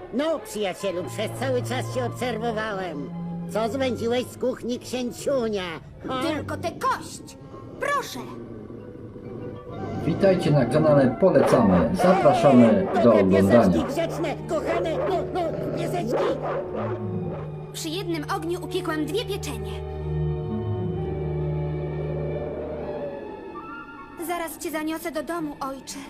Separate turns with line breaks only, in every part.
No, przyjacielu, przez cały czas cię obserwowałem. Co zwędziłeś z kuchni księciunia? Ha?
Tylko tę kość! Proszę!
Witajcie na kanale Polecamy. Zapraszamy do oglądania.
Pieseczki grzeczne, kochane, no, pieseczki.
Przy jednym ogniu upiekłam 2 pieczenie. Zaraz cię zaniosę do domu, ojcze.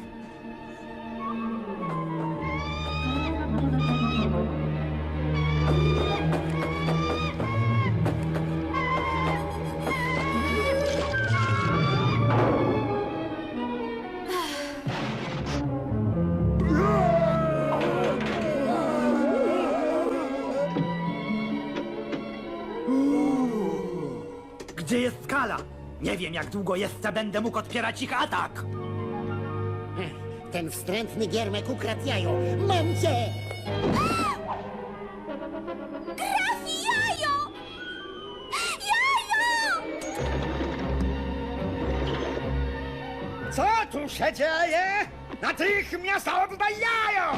Gdzie jest skala? Nie wiem, jak długo jeszcze będę mógł odpierać ich atak.
Ten wstrętny giermek ukradł jajo. Mam cię!
Trafi jajo! Jajo!
Co tu się dzieje? Natychmiast oddaj jajo!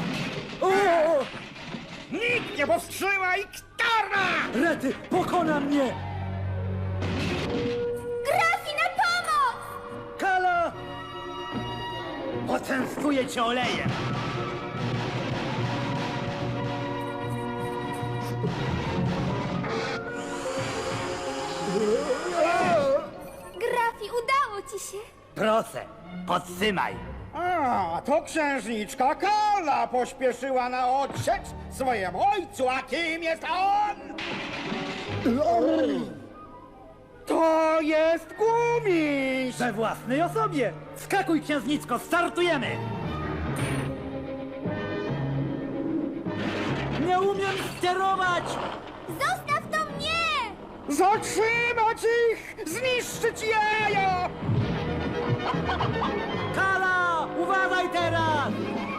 Nikt nie powstrzyma Iktarna!
Rety, pokona mnie!
Trafi na pomoc!
Kala! Poczęstuję cię olejem.
Grafi, udało ci się!
Proszę, podtrzymaj.
A, to księżniczka Kala pośpieszyła na odsiecz swojemu ojcu, a kim jest on? To jest gumiś!
We własnej osobie. Skakuj, księżniczko, startujemy! Nie umiem sterować!
Zostaw to mnie!
Zatrzymać ich! Zniszczyć jajo!
Kala, uważaj teraz!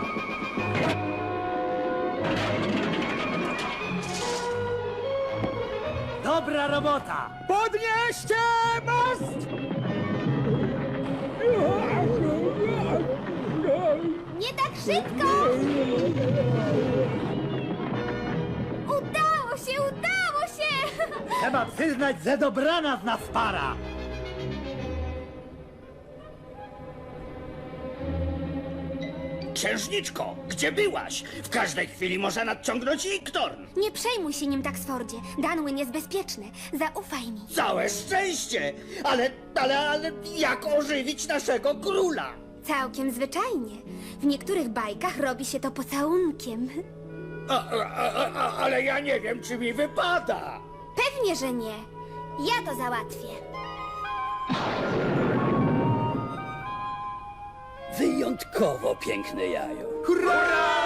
Dobra robota!
Podnieście most!
Nie tak szybko! Udało się, udało się!
Trzeba przyznać, że dobrana z nas para!
Księżniczko, gdzie byłaś? W każdej chwili może nadciągnąć Iktorn.
Nie przejmuj się nim, Taksfordzie. Danwyn jest bezpieczny. Zaufaj mi.
Całe szczęście! Ale jak ożywić naszego króla?
Całkiem zwyczajnie. W niektórych bajkach robi się to pocałunkiem.
Ale ja nie wiem, czy mi wypada.
Pewnie, że nie. Ja to załatwię.
Wyjątkowo piękne jajo.
Hurra!